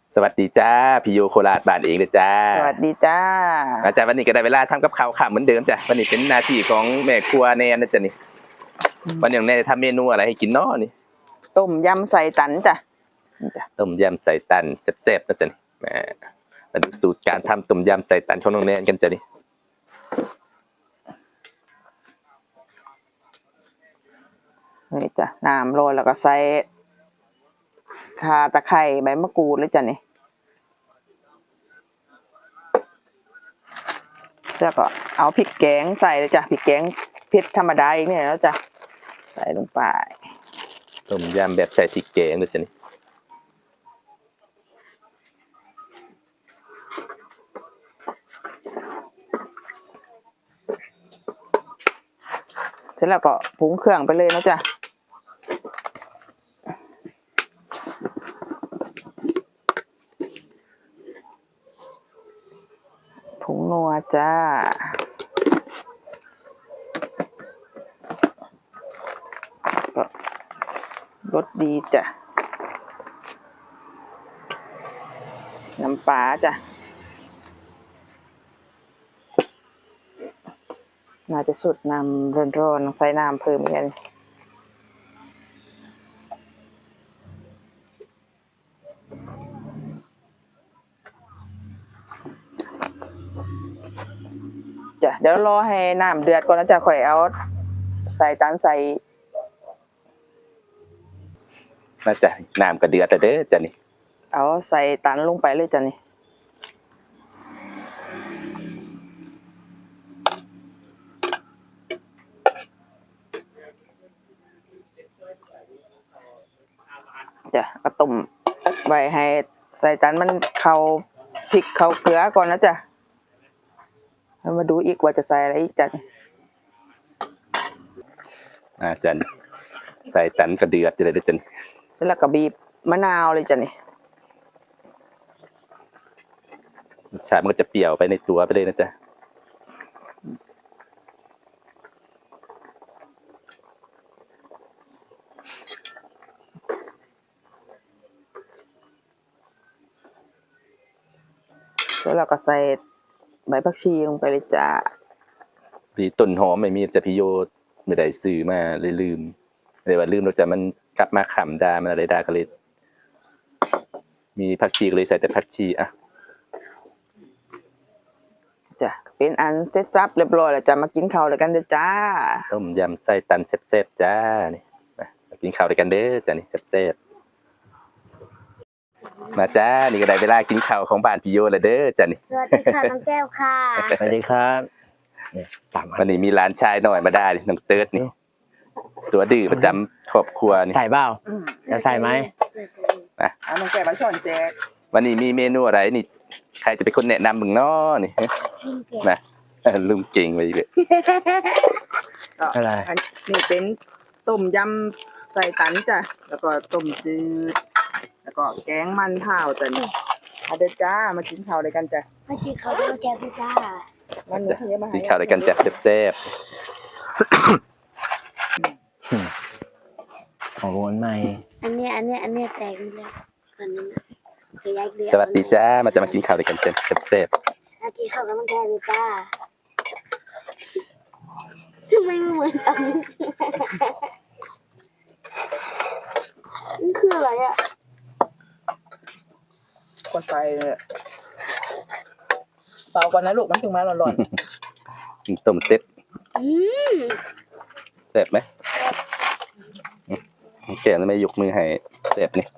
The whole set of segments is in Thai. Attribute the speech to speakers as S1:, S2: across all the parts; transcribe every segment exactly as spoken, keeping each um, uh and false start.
S1: สวัสดีจ้าพี่โยโคราชบ้านเองเลยจ้า
S2: สวัสดีจ้า
S1: อาจารย์วันนี้ก็ได้เวลาทำกับข้าวข้ามเหมือนเดิมจ้ะวันนี้เป็นหน้าที่ของแม่ครัวแนนนะจ๊ะนี่วันนี้แนนจะทำเมนูอะไรให้กินน้อนี่
S2: ต้มยำใส่ตันจ้ะ
S1: ต้มยำใส่ตันแซ่บๆนะจ๊ะนี่แหมมาดูสูตรการทำต้มยำใส่ตันของน้องแนนกันจ้ะนี่
S2: นี่จ้ะน้ำโรยแล้วก็ใส่ข่าตะไคร้ใบมะกรูดเลยจ้ะนี่แล้วก็เอาพริกแกงใส่เลยจ้ะพริกแกงเผ็ดธรรมดาอีกเนี่ยแล้วจ้ะใส่ลงไป
S1: ต้มยำแบบใส่พริกแกงนะจ๊ะนี่
S2: เสร็จแล้วก็ปรุงเครื่องไปเลยนะจ๊ะผงนัวจ้ารสดีจ้ะน้ำปลาจ้ะน่าจะสุดน้ำร้อนๆใส่น้ำเพิ่มอีกนิดจ้ะเดี๋ยวรอให้น้ำเดือดก่อนนะจ๊ะค่อยเอาใส่ตาลใส่
S1: น่าจะน้ำกระเดือดแต่เด้อจ้ะนี่
S2: เอาใส่ตันลงไปเลยจ้ะนี่จ้ะก็ต้มไว้ให้ใส่ตันมันเข้าพริกเข้าเกลือก่อนนะจ๊ะแล้วมาดูอีกว่าจะใส่อะไรอีกจ้ะ
S1: อาจารย์ใส่ตันกระเดือดจะเลยเด้อจ้ะนี่
S2: แล้วก็บีบมะนาวเลยจ้ะนี่
S1: รสชาติมันก็จะเปรี้ยวไปในตัวไปเลยนะจ๊ะ
S2: แล้วเราก็ใส่ใบผักชีลงไปเลยจ้ะ
S1: พี่ต้นหอมไม่มีจะพี่โยไม่ได้ซื้อมาเลยลืมเลยว่าลืมเราจะมันกลับมาขำดามันอะไรดาก็เลยมีผักชีก็เลยใส่แต่ผักชีอ่ะ
S2: จ้ะเป็นอันเสร็จสับเรียบร้อยแล้วจะมากินข้าวด้วยกันเด้อจ้า
S1: ต้มยำไส้ตันแซ่บๆจ้านี่มากินข้าวด้วยกันเด้อจ้านี่แซ่บๆมาจ้านี่ก็ได้เวลากินข้าวของบ้านพี่โยแล้วเด้อจ้านี่
S3: สวัสดีค่ะน้องแก้วค่ะ
S4: สวัสดีครับ
S1: วันนี้มีหลานชายหน่อยมาได้น้องเติร์ดนี่ตัวดื้อประจำครอบครัวนี่
S4: ใส่เปล่าจะใส่ไหม
S1: นะ
S2: เอาน้องแก้วมาช้อนแจก
S1: วันนี้มีเมนูอะไรนี่ใครจะเป็นคนแนะนำมึงน้อนี่นะลืมเก่งไปเลย
S4: อะไร
S2: นี่เป็นต้มยำใส่ตันจ้ะแล้วก็ต้มจืดแล้วก็แกงมันเผาจ้ะนี่มาเด้อจ้ามากินข้าวด้วยกันจ้ะ
S3: มากินข้าวด้วยแก้วพี่จ้า
S2: วันนี้เยอะมาให้
S1: กินข้าวด้วยกันจ้ะแซ่บ
S4: ๆของวนใหม่
S3: อันนี้อันนี้อันนี้แตกนี่แล้วอันนี้
S1: สวัสดีจ้ามาจะมากินข้าวด้วยกันจ้ะแซ่บ
S3: ๆมากินข้าวกับน้องแก้วพี่จ้าทำไมไม่เหมือนกันนี่คืออะไรอ่ะ
S2: คนไฟเลยเปล่าก่อนนะลูกมันถึงมาร้อน
S1: ๆกินต้มเซ็ตแซ่บไหมแก่ไม่ยกมือให้แซ่บนี่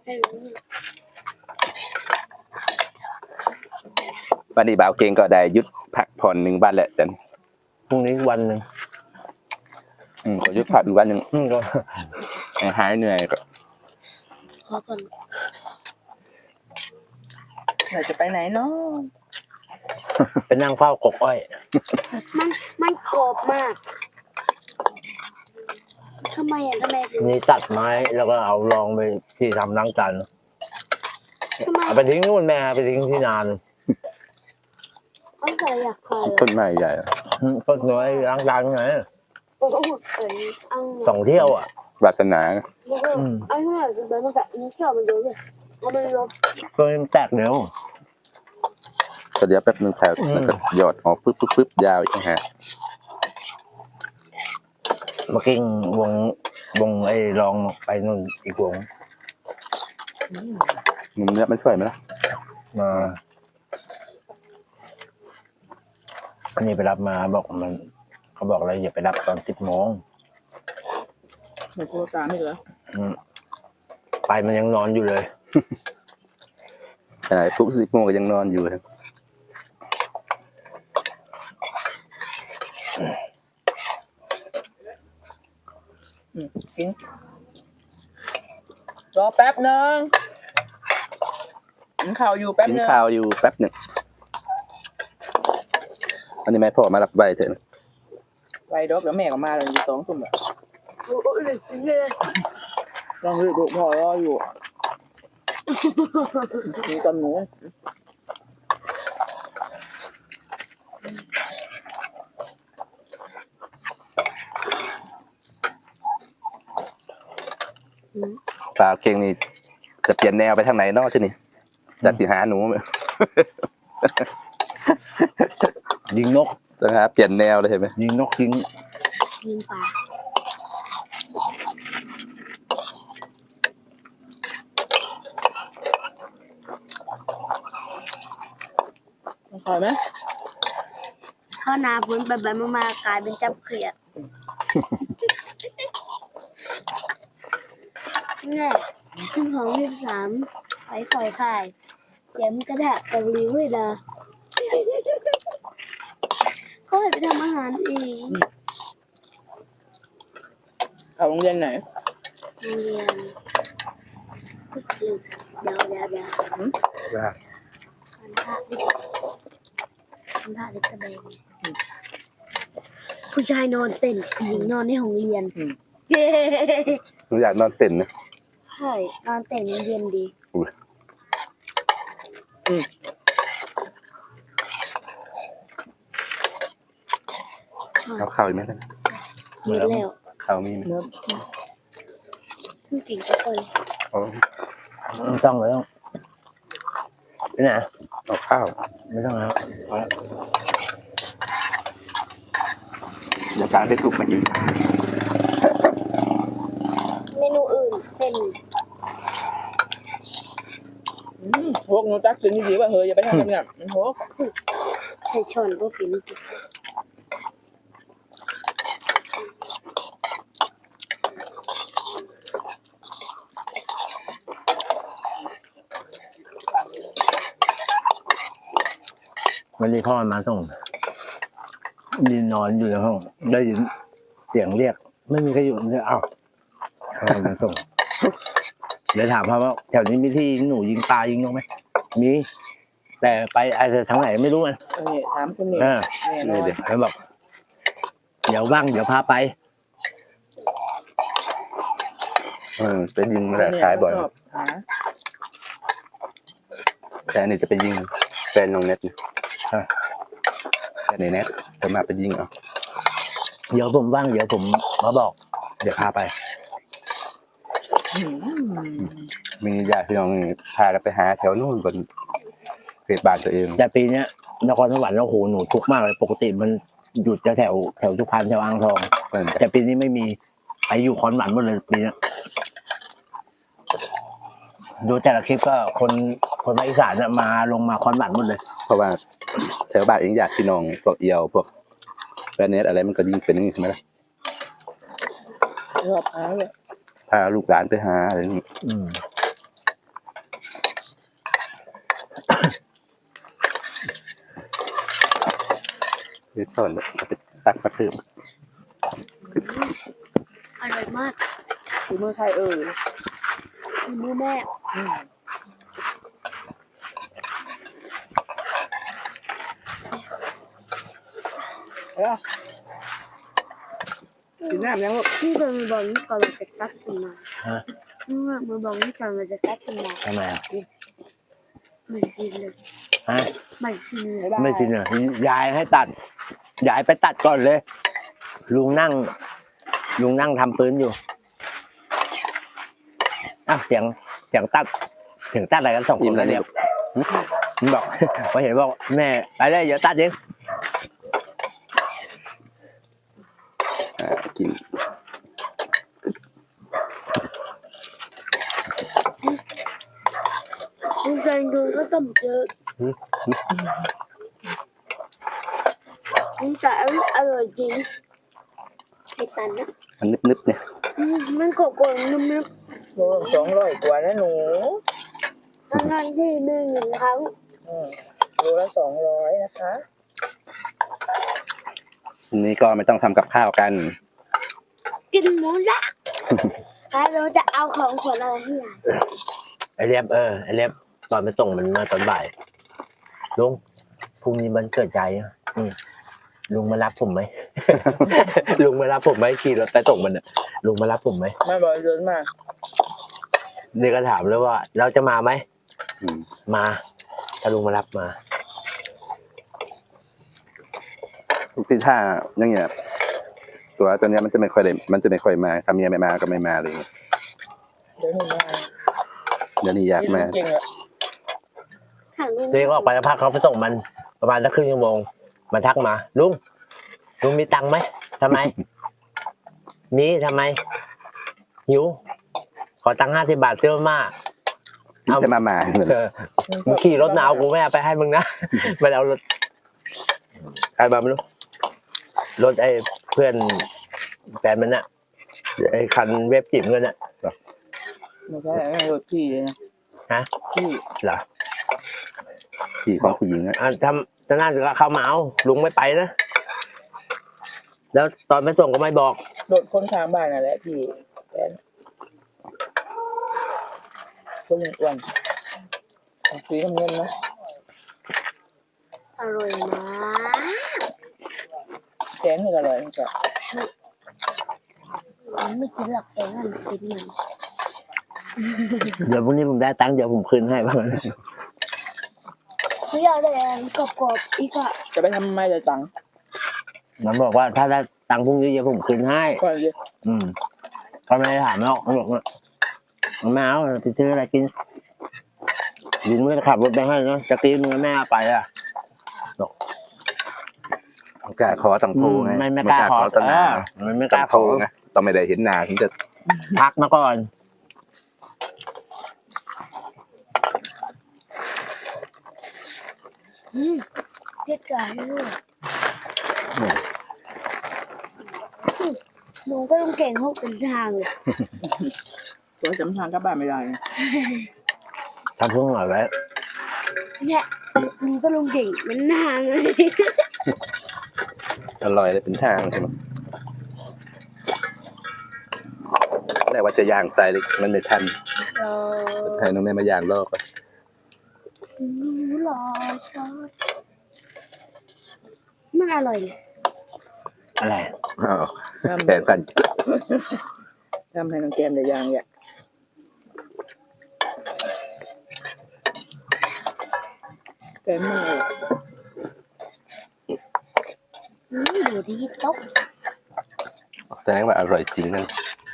S1: วันนี้บ่าวเก่งก็ได้ยุดพักผ่อนหนึ่งวันแหละจัน
S4: พรุ่งนี้วันหนึ่ง
S1: อืมก็ยุดพักอีกวันหนึ่ง
S4: อืมก็
S1: หายเหนื่อยก็
S3: ขอก่อน
S2: เราจะไปไหนเนาะ
S4: เป็นนั่งเฝ้ากบอ้อย
S3: มันมันกรอบมากทำไมอ่ะทำไม
S4: นี่ตัดไม้แล้วก็เอาลองไปที่ทำล้างจานเอาไปทิ้งนู่นแม่ไปทิ้งที่นาน
S3: ต้นใหญ่อยากพอ
S1: ต้นไม้ใหญ่
S4: ต้นน้อยล้างจานไงสองเที่ยวอ่ะ
S1: วาสนา
S3: อันนี้แบบมันแบบนี้เที่ยวมันเยอะเลยก็ไม่ลบ
S4: ตัวนี้มันแตกเร็ว
S1: ก็เดี๋ยวแป๊บนึงแถว
S4: อืม
S1: แล้วก็หยอดออกปึ๊บปึ๊บปึ๊บยาวอีกนะฮะ
S4: เมื่อกี้วงวงไอ้ลองไปนู่นอีกวง
S1: มันเนื้อมันช่วยไหมล่ะ
S4: มาอันนี้ไปรับมาบอกมันเขาบอกอะไรอย่าไปรับตอนสิบโมง
S2: ไม่โทรตามไม่เหรอ
S4: อืมไปมันยังนอนอยู่เลย
S1: ขนาดทุกสิบโมงก็ยังนอนอยู่ครับ
S2: อืมกินรอแป๊บนึงกินข้าวอยู่แป๊บ
S1: กิน
S2: นึง
S1: ข้าวอยู่แป๊บหนึ่งอันนี้แม่พ่อมารับใบเถอะนะ
S2: ไปดอกแล้วแม่ก็มาเลยอยู่สองทุ่มอะ
S3: โอ้ยเลยเลย
S2: ลองดูดูพ่อรออยู่มีตอนหนู
S1: สาวเก่งนี่จะเปลี่ยนแนวไปทางไหนเนอกช่นี่จัดสิหาหนู
S4: ยิงนก
S1: นะครับเปลี่ยนแนวเลยใช่ไหม
S4: ยิงนกยิง
S3: ยิงปลา
S2: ขอไหม
S3: ถ้านาฝนแบบแบบมากลายเป็นจับเขียดนี่ขึ้นของที่สามไปคอยข่ายแย้มกระดาษกับรีวิวนะเขาให้ไปทำอาหารเอง
S2: เอาโรงเรียนไหน
S3: โรงเรียนเดี๋ยวเดี๋ยวเดี๋ยว
S1: ว่า
S3: พันธะดิพันธะดิกระเบนผู้ชายนอนเต้นผู้หญิงนอนในห้องเรียน
S2: อืม
S3: เย้
S1: หนูอยากนอนเต็นท์นะ
S3: ใช่นอนเต้นมันเย็นดี
S2: อืม
S1: เอาข้าวอีกไหมนะ
S3: มีแล้ว
S1: ข้าวมีไหม
S2: เนื้อ
S3: ผู้เก่งทุกคน
S1: เอา
S4: ไม่ต้องไม่ต้องไปไหน
S1: เอาข้าว
S4: ไม่ต้องแล้วพอแล้ว
S1: เดี๋ยวจานได้ถูกมาอีก
S3: เมนูอื่นเส้น
S2: อืมพวกหนูตักกินดีๆว่าเฮ้ยอย่าไปทำแบบนั้นมันโหก
S3: ใส่ช้อนก็กิน
S4: วันนี้พ่อมาส่งยืนนอนอยู่ในห้องได้ยินเสียงเรียก ไม่มีใครอยู่เลยเอ้าพ่อมาส่งเลยถามพ่อว่าแถวนี้มีที่หนูยิงปลายิงนกไหมมี แต่ไปอะไรทางไหนไม่รู้อ่ะ
S2: เออถามคุณนี่
S4: เออ
S2: แน่นอน
S1: นี่เดี๋ยว
S4: แล้วบอกเดี๋ยวว่างเดี๋ยวพาไป
S1: เออไปยิงมาแต่ขายบ่อย
S2: ชอบหา
S1: แต่อันนี้จะไปยิงแฟนน้องเน็ตนะ
S4: ฮะ
S1: แฟนในเน็ตจะมาไปยิงเอา
S4: เดี๋ยวผมว่างเดี๋ยวผมมาบอก เดี๋ยวพาไป
S2: อืม
S1: มีญาติพี่น้องพากันไปหาแถวนู่นบนเขตบ้านตัวเอง
S4: แต่ปีเนี้ยนครสวรรค์โอ้โหหนูทุกข์มากเลยปกติมันหยุดจะแถวแถวสุพรรณแถวอ่างทอง
S1: เพิ่นจะ
S4: แต่ปีนี้ไม่มีไปอยู่คอนหวันหมดเลยปีเนี้ยดูแต่ละคลิปก็คนคนภาคอีสานน่ะมาลงมาคอนหวันหมดเลย
S1: เพราะว่าแถวบ้านเองญาติพี่น้องพวกเอียวพวกแฟนเน็ตอะไรมันก็ยิงเป็นอย่างนี้ใช่ไหมล่ะ
S2: ชอบหาเลย
S1: พาลูกหลานไปหาอะไรอย่างนี้
S4: อืม
S1: ไปสอนเอาไปตักมาเพิ่ม
S3: อร่อยมาก
S2: ฝีมือใครเอ่ย
S3: มือแม่
S2: อืมเอ้ากินน้ำยังลูก
S3: ที่เป็นมือบอลนี่ก่อนเราจะตัดขึ้นมา
S4: ฮะ
S3: เมื่อมือบอลนี่ก่อนเราจะตัดขึ้นมา
S4: ทำไมอ่ะ
S3: ไม่กินเลย
S4: ฮะ
S3: ไม่กินเลย
S2: บ๊ายบาย
S4: ไม่ชินอ่ะยายให้ตัดยายไปตัดก่อนเลย ลุงนั่ง ลุงนั่งทำปืนอยู่อ่ะเสียงเสียงตัดถึงตัดอะไรกันสองคนแล้วเรียบมันบอกพอเห็นบอกแม่ไปเลยเดี๋ยวตัดเอง
S1: อ่ากิน
S3: ลุงใจดูก็ต้มเจอลุงใจอร่อยจริงไข่ตันนะ
S1: มันนึบๆเนี่ย
S3: อืมมันกรอบๆนุ่ม
S2: โลสองร้อยกว่านะหนู
S3: ๆทั้งนั้นที่หนึ่งหนึ่งครั้ง
S2: อืมโลละสองร้อยนะคะ
S1: ทีนี้ก็ไม่ต้องทำกับข้าวกัน
S3: กินหมูละแล้วเราจะเอาของขวัญอะไรให้ยาย
S4: ไอเรียบเออไอเรียบตอนไปส่งมันมาตอนบ่ายลุงพรุ่งนี้มันเกิดใจอ่ะอืมลุงมารับผมไหม ลุงมารับผมไหมขี่รถไปส่งมันอ่ะลุงมารับผมไหม
S2: แม่บอกเดินมา
S4: นี่ก็ถามเลยว่า เราจะมาไหม
S1: อืม
S4: มาถ้าลุงมารับมา
S1: ทุกที่ท่าอย่างเงี้ยตัวตัวเนี้ยมันจะไม่ค่อยได้มันจะไม่ค่อยมาถ้าเมียไม่มาก็ไม่มาเลย
S2: เดี๋ยวหนูมา
S1: เดี๋ยวนี้อยากมา
S2: เก่งอ่ะ
S3: ถามลุง
S4: ตัวเองก็ออกไปแล้วพักเขาไปส่งมันประมาณสักครึ่งชั่วโมงมันทักมาลุงลุงมีตังค์ไหมทำไม มีทำไมหิวขอตังค์ห้าสิบบาทซื้อมาม่าเอา
S1: จะมามาเหมือน
S4: เออมึงขี่รถหนาวกูไม่เอาไปให้มึงนะ มันเอารถใครมาไม่รู้รถไอ้เพื่อนแฟนมันน่ะไอ้คันเว็บจิ๋มกันน่ะ
S2: ไม่ใช่ไม่รถพี่เลยนะ
S4: ฮะ
S2: พี่
S4: เหรอ
S1: พี่ของผู้หญิงอะ
S4: อ่ะทำจะน่าจะเข้ามาเอาลุงไม่ไปนะแล้วตอนไปส่งก็ไม่บอก
S2: รถคนข้างบ้านน่ะแหละพี่แฟนคนอ้วนสีน้ำเงินนะ
S3: อร่อยมาก
S2: แกงนี่ก็อร่อยนะจ๊ะ
S3: ไม่กินหรอกแกงมันกินมัน
S4: เดี๋ยวพรุ่งนี้ผมได้ตังค์เดี๋ยวผมคืนให้บ้าง
S3: ไม่อยากได้อันกรอบๆอีกอะ
S2: จะไปทำไมจะตังค์
S4: มันบอกว่าถ้าได้ตังค์พรุ่งนี้เดี๋ยวผมคืนให้
S2: ก่อนเลย
S4: อืมก็ไม่ได้ถามหรอกเขาบอกว่าแม่เอาไปซื้ออะไรกินลุงไม่ได้ขับรถไปให้นะจะกินมึงแม่เอาไปอ่ะ
S1: กล้าขอต้องโทรไง
S4: ไม่ไม่กล้าขอ
S1: ต้นหน้า
S4: เออมันไม่ก
S1: ต้อ
S4: ล้าง ข
S1: โทร
S4: อ
S1: ไงต้องไม่ได้เห็นหน้าถึงจะ
S4: พักมาก่อน
S3: อืมเจ็ดกาด้วยหนูก็ต้องเก่งหกเป็นทางเลย
S2: ตัวจำทางกลับบ้านไม่ได้นะ
S4: ทำเพิ่งหน่อยไว้
S3: เนี่ยหนูก็ลงเก่งเป็นทางเลย
S1: อร่อยเลยเป็นทางใช่ไหมแต่ว่าจะย่างใส่เลยมันไม่ทัน
S3: รอ
S1: ให้น้องแม่มาย่างรอบก่อน
S3: หนูรอช้อนมันอร่อยเลย
S4: อะไร
S1: อ้าวแข่งกัน
S2: ทำให้น้องแก้มได้ยางเนี่ยแก้มไม่เลย
S3: อืมอยู่ที่โต๊ะ
S1: แสดงว่าอร่อยจริงนั่น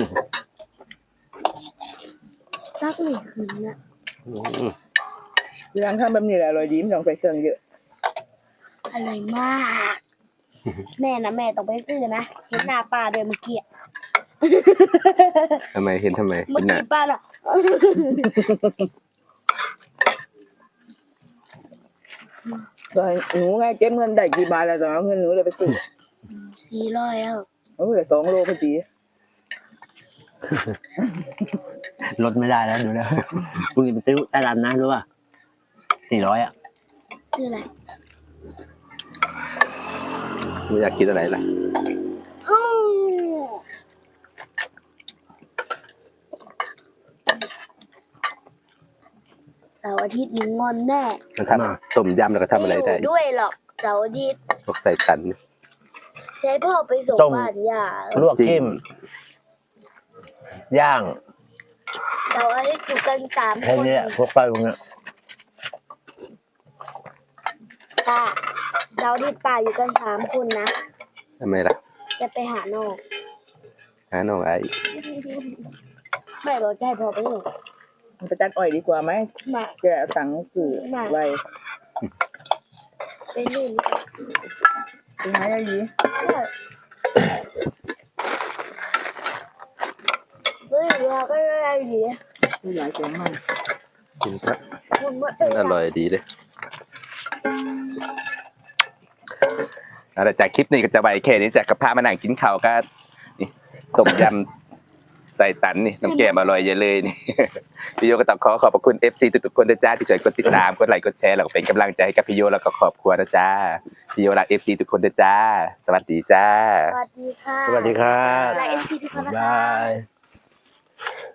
S3: ตักไม่ขึ้นนะ
S1: อืม
S2: ยางทำแบบนี้แหละอร่อยดีไม่ต้องใส่เครื่องเยอะ
S3: อร่อยมาก แม่นะแม่ต้องไปซื้อนะเห็นหน้าป้าเดินเมื่อกี้อะ
S1: ทำไมเห็นทำไม
S3: เมื่
S1: เห็
S3: อน
S1: หน้า
S3: กี้ป้าล่ะ
S2: ตอนหนูไงเก็บเงินได้กี่บาทแล้วตอนเอาเงินหนูเลยไปซื้อ
S3: สี่ร้อยแล้ว
S2: โอ้ยสองโลพอดี
S4: ลดไม่ได้แล้วดูแล้ว พรุ่งนี้ไปซื้อใต้ร้านนะรู้ป่ะสี่ร้อยอ่ะ
S3: คืออะไร
S1: ไม่อยากกินอะไรล่ะ
S3: อ้าวเสาร์อาทิตย์หนูงอนแน่
S1: มันทำต้มยำแล้วก็ทำอะไรได้
S3: ม่ยู่ด้วยหรอกเสาร์อาทิตย์
S1: พวกใส่ตัน
S3: ใช้พ่อไปส่งบ้านย่า
S4: ลวกจิ้มย่าง
S3: เสาร์อาทิตย์อยู่กันสาม
S4: แค่
S3: คน
S4: นี้พวกไปพวกเนี้ย
S3: ป้าเสาร์อาทิตย์ป้าอยู่กันสามคนนะ
S1: ทำไมล่ะ
S3: จะไปหานอก
S1: หาน้องไอ้
S3: แม่บอกจะให้พ่อไปส่ง
S2: มันไปตัดอ้อยดีกว่าไหม
S3: มา
S2: แกเอาตังค์คือไว้
S3: เป็นนู่น
S2: เป็นไงอะยี
S3: เฮ้ยเราก็ได้ดี
S2: มีหลายแกงมัน
S1: กินครับ
S3: คุณว่า
S1: มันอร่อยดีเลยเอาละจากคลิปนี้ก็จะไว้แค่นี้จากกระเพาะมานั่งกินข้าวก็นี่ต้มยำใส่ตันนี่น้ำแกงอร่อยเยอะเลยนี่ พี่โยก็ต้องขอขอบพระคุณ เอฟ ซี ทุกๆคนนะจ้าที่ช่วยกดติดตามกดไลค์กดแชร์แล้วก็เป็นกำลังใจให้กับพี่โยแล้วก็ครอบครัวนะจ้าพี่โยรัก เอฟ ซี ทุกคนนะจ้าสวัสดีจ้า
S3: สวัสดีค่ะ
S4: สวัสดีครับ
S3: และเอ็นซีทุกคนนะ
S4: บ
S3: คะ
S4: าย